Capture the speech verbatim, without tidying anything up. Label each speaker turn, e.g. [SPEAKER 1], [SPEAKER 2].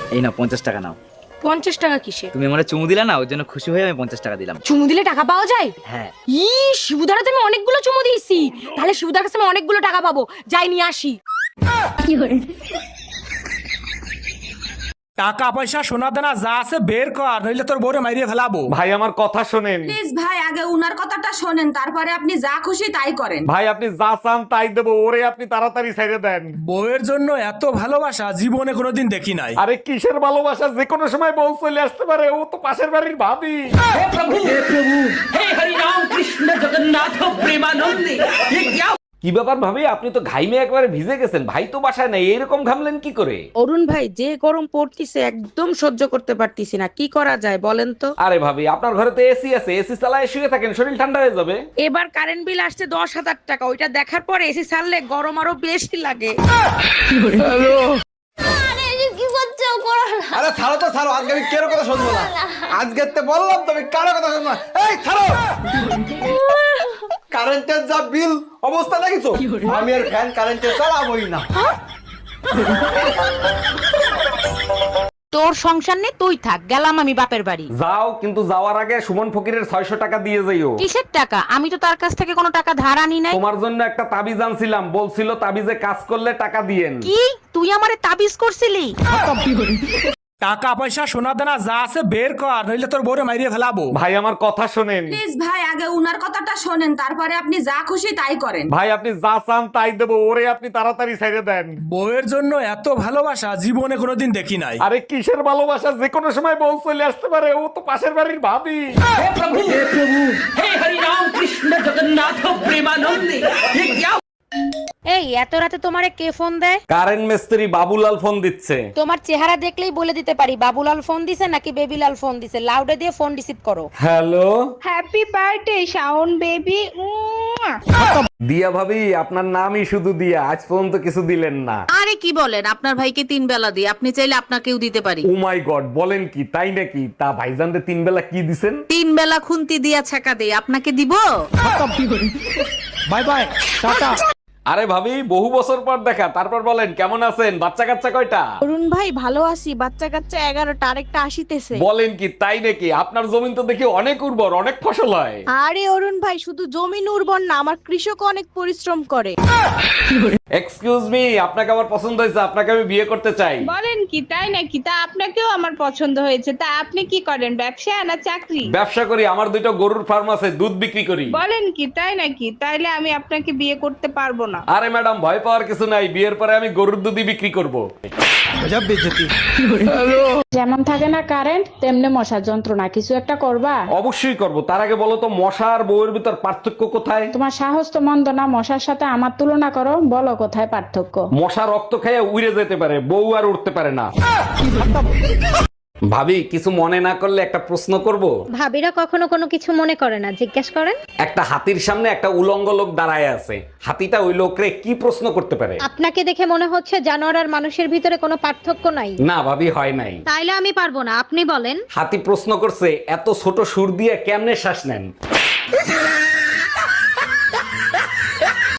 [SPEAKER 1] এই নাও পঞ্চাশ টাকা নাও।
[SPEAKER 2] পঞ্চাশ টাকা কিসে?
[SPEAKER 1] তুমি আমার চুমু দিলা না, ওর জন্য খুশি হয়ে আমি পঞ্চাশ টাকা দিলাম।
[SPEAKER 2] চুমু দিলে টাকা পাওয়া যায়?
[SPEAKER 1] হ্যাঁ।
[SPEAKER 2] ই শিবুদারা তুমি অনেকগুলো চুমু দিয়েছি, তাহলে শিবুদার কাছে আমি অনেকগুলো টাকা পাবো, যাই নিয়ে আসি।
[SPEAKER 3] টাকা পয়সা সোনা দানা যা আছে বের কর, নইলে তোর বউরে মাইরিয়ে ফেলাবো।
[SPEAKER 4] ভাই আমার কথা শোনেন।
[SPEAKER 5] প্লিজ ভাই, আগে উনার কথাটা শোনেন, তারপরে আপনি যা খুশি তাই করেন।
[SPEAKER 4] ভাই আপনি যা চান তাই দেবো, ওরে আপনি তাড়াতাড়ি ছেড়ে দেন।
[SPEAKER 3] বউয়ের জন্য এত ভালোবাসা জীবনে কোনোদিন দেখি নাই।
[SPEAKER 4] আরে কিসের ভালোবাসা, যে কোনো সময় বউ চলে আসতে পারে, ও তো পাশের বাড়ির ভাবি। কি ব্যাপার ভাবি, আপনি তো ঘাইমে একবারে ভিজে গেছেন, ভাই তো বাসায় নাই, এরকম ঘামলেন কি করে?
[SPEAKER 6] অরুণ ভাই, যে গরম পড়তিছে একদম সহ্য করতে পারতিছি না, কি করা যায় বলেন তো?
[SPEAKER 4] আরে ভাবি, আপনার ঘরে তো এসি আছে, এসি চালায় শুয়ে থাকেন, শরীর ঠান্ডা হয়ে যাবে।
[SPEAKER 6] এবার কারেন্ট বিল আসছে দশ হাজার টাকা, ওইটা দেখার পরে এসি ছাড়লে গরম আরো বেশি লাগে।
[SPEAKER 7] আরে ছাড়ো তো ছাড়ো, আজকে আমি কারো কথা শুনবো না। আজকে তো বললাম তুমি কারো কথা শুনবো না। এই ছাড়ো, কারেন্টের যা বিল অবস্থা দেখিছো, আমি আর ফ্যান কারেন্টে চালাবোই না।
[SPEAKER 6] তোর সংসার নেই, তুই থাক, গেলাম আমি বাপের বাড়ি।
[SPEAKER 4] যাও, কিন্তু যাওয়ার আগে সুমন ফকিরের ছয়শো টাকা দিয়ে যাইও।
[SPEAKER 6] কিসের টাকা? আমি তো তার কাছ থেকে কোনো টাকা ধার আনি নাই।
[SPEAKER 4] তোমার জন্য একটা তাবিজ আনছিলাম, বলছিল তাবিজে কাজ করলে টাকা দিয়েন।
[SPEAKER 6] কি তুই আমারে তাবিজ করছিলি?
[SPEAKER 3] টাকা পয়সা সোনা দানা যা আছে বের কর, নইলে তোর বউরে মাইরিয়ে ফেলাবো।
[SPEAKER 4] ভাই আমার কথা শোনেন।
[SPEAKER 5] প্লিজ ভাই, আগে উনার কথাটা শোনেন, তারপরে আপনি যা খুশি তাই করেন।
[SPEAKER 4] ভাই আপনি যা চান তাই দেবো, ওরে আপনি তাড়াতাড়ি ছেড়ে দেন।
[SPEAKER 3] বউয়ের জন্য এত ভালোবাসা জীবনে কোনোদিন দেখি নাই।
[SPEAKER 4] আরে কিসের ভালোবাসা, যে কোনো সময় বউ চলে আসতে পারে, ও তো পাশের বাড়ির ভাবি।
[SPEAKER 6] এই এত রাতে তোমারে কে ফোন দেয়?
[SPEAKER 4] কারেন্ট মিস্ত্রি বাবুলাল ফোন দিচ্ছে।
[SPEAKER 6] তোমার চেহারা দেখলেই বলে দিতে পারি বাবুলাল ফোন দিছে নাকি বেবিলাল ফোন দিছে। লাউডে দিয়ে ফোন রিসিভ করো।
[SPEAKER 4] Hello,
[SPEAKER 8] happy birthday Shaon baby.
[SPEAKER 4] Diya ভাবি, আপনার নামই শুধু দিয়া, আজ পর্যন্ত কিছু দিলেন না।
[SPEAKER 6] আরে কি বলেন, আপনার ভাইকে তিন বেলা দিই, আপনি চাইলে আপনাকেও দিতে পারি।
[SPEAKER 4] ও মাই গড, বলেন কি, তাই নাকি? তা ভাইজানরে তিন বেলা কি দিছেন?
[SPEAKER 6] তিন বেলা খুন্তি দিয়া ছাকা দেই, আপনাকে দিব?
[SPEAKER 3] Bye bye, tata.
[SPEAKER 4] আরে ভাবি, বহু বছর পর দেখা, তারপর বলেন কেমন আছেন? বাচ্চা কাচ্চা কয়টা?
[SPEAKER 8] অরুণ ভাই ভালো আছি, বাচ্চা কাচ্চা এগারোটা, আরেকটা আসিতেছে।
[SPEAKER 4] বলেন কি, তাই নাকি? আপনার জমিন তো দেখি অনেক উর্বর, অনেক ফসল হয়।
[SPEAKER 8] আরে অরুণ ভাই, শুধু জমিন উর্বর না, আমার কৃষক অনেক পরিশ্রম করে।
[SPEAKER 4] এক্সকিউজ মি, আপনাকে আমার পছন্দ হয়েছে, আপনাকে আমি বিয়ে করতে চাই।
[SPEAKER 8] বলেন কি, তাই নাকি? তা আপনাকেও আমার পছন্দ হয়েছে। তা আপনি কি করেন, ব্যবসা না চাকরি?
[SPEAKER 4] ব্যবসা করি, আমার দুইটা গরুর ফার্ম আছে, দুধ বিক্রি করি।
[SPEAKER 8] বলেন কি, তাই নাকি? তাইলে আমি আপনাকে বিয়ে করতে পারবো না।
[SPEAKER 4] আরে ম্যাডাম, ভয় পাওয়ার কিছু নাই, বিয়ের পরে আমি গরুর দুধই বিক্রি করব।
[SPEAKER 8] যেমন থাকে না কারেন্ট, তেমনি মশার যন্ত্রণা, কিছু একটা করবা?
[SPEAKER 4] অবশ্যই করব, তার আগে বলো তো মশা আর বউয়ের ভিতর পার্থক্য কোথায়?
[SPEAKER 8] তোমার সাহস তো মন্দ না, মশার সাথে আমার তুলনা করো, বলো কোথায় পার্থক্য?
[SPEAKER 4] মশা রক্ত খেয়ে উড়ে যেতে পারে, বউ আর উঠতে পারে না। ভাবি, কিছু মনে না করলে একটা প্রশ্ন করব?
[SPEAKER 9] ভাবিরা কখনো কোনো কিছু মনে করে না, জিজ্ঞেস করেন।
[SPEAKER 4] একটা হাতির সামনে একটা উলঙ্গ লোক দাঁড়ায় আছে, হাতিটা ওই লোকরে কি প্রশ্ন করতে পারে?
[SPEAKER 9] আপনাকে দেখে মনে হচ্ছে জানোয়ার আর মানুষের ভিতরে কোনো পার্থক্য নাই।
[SPEAKER 4] না ভাবি, হয় নাই।
[SPEAKER 9] তাইলে আমি পারবো না, আপনি বলেন।
[SPEAKER 4] হাতি প্রশ্ন করছে, এত ছোট সুর দিয়ে কেমনে শ্বাস নেন?